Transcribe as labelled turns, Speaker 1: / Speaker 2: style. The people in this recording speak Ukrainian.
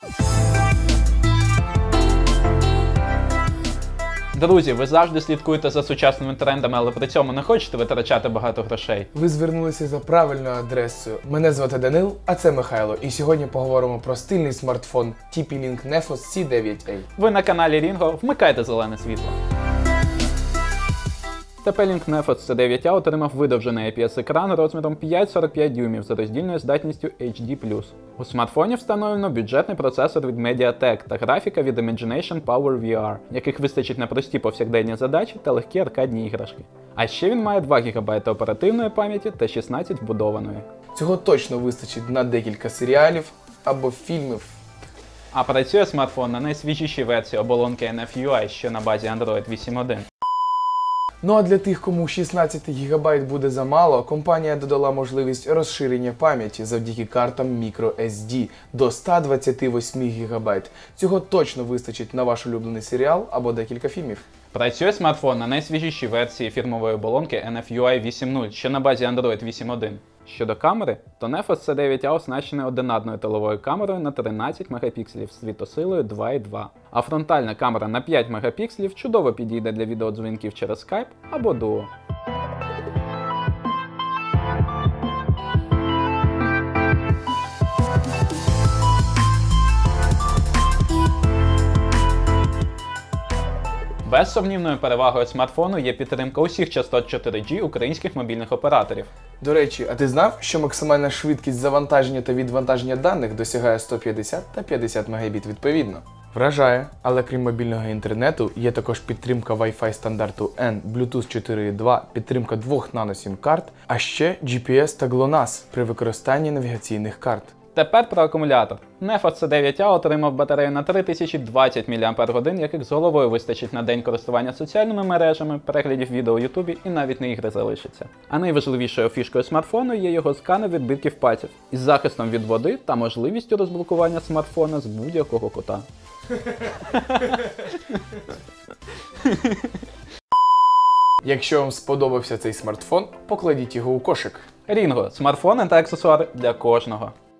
Speaker 1: Друзі, ви завжди слідкуєте за сучасними трендами, але при цьому не хочете витрачати багато грошей.
Speaker 2: Ви звернулися за правильною адресою. Мене звати Данил, а це Михайло. І сьогодні поговоримо про стильний смартфон TP-Link Nefos C9A.
Speaker 1: Ви на каналі Рінго, вмикайте зелене світло. TP-Link Nefos C9A отримав видовжений IPS-екран розміром 5,45 дюймів за роздільною здатністю HD+. У смартфоні встановлено бюджетний процесор від MediaTek та графіка від Imagination Power VR, яких вистачить на прості повсякденні задачі та легкі аркадні іграшки. А ще він має 2 ГБ оперативної пам'яті та 16 вбудованої.
Speaker 2: Цього точно вистачить на декілька серіалів або фільмів.
Speaker 1: А працює смартфон на найсвіжішій версії оболонки NF-UI, що на базі Android 8.1.
Speaker 2: Ну а для тих, кому 16 ГБ буде замало, компанія додала можливість розширення пам'яті завдяки картам microSD до 128 ГБ. Цього точно вистачить на ваш улюблений серіал або декілька фільмів.
Speaker 1: Працює смартфон на найсвіжішій версії фірмової оболонки NF-UI 8.0, що на базі Android 8.1. Щодо камери, то Nefos C9A оснащений одинарною тиловою камерою на 13 Мп з світосилою 2.2. А фронтальна камера на 5 Мп чудово підійде для відеодзвінків через Skype або Duo. Безсумнівною перевагою смартфону є підтримка усіх частот 4G українських мобільних операторів.
Speaker 2: До речі, а ти знав, що максимальна швидкість завантаження та відвантаження даних досягає 150 та 50 Мбіт відповідно? Вражає, але крім мобільного інтернету, є також підтримка Wi-Fi стандарту N, Bluetooth 4.2, підтримка 2 нано-сім-карт, а ще GPS та GLONASS при використанні навігаційних карт.
Speaker 1: Тепер про акумулятор. Nefos C9A отримав батарею на 3020 мАч, яких з головою вистачить на день користування соціальними мережами, переглядів відео у Ютубі і навіть на ігри залишиться. А найважливішою фішкою смартфону є його сканер відбитків пальців із захистом від води та можливістю розблокування смартфона з будь-якого кута.
Speaker 2: Якщо вам сподобався цей смартфон, покладіть його у кошик.
Speaker 1: Рінго – смартфони та аксесуари для кожного.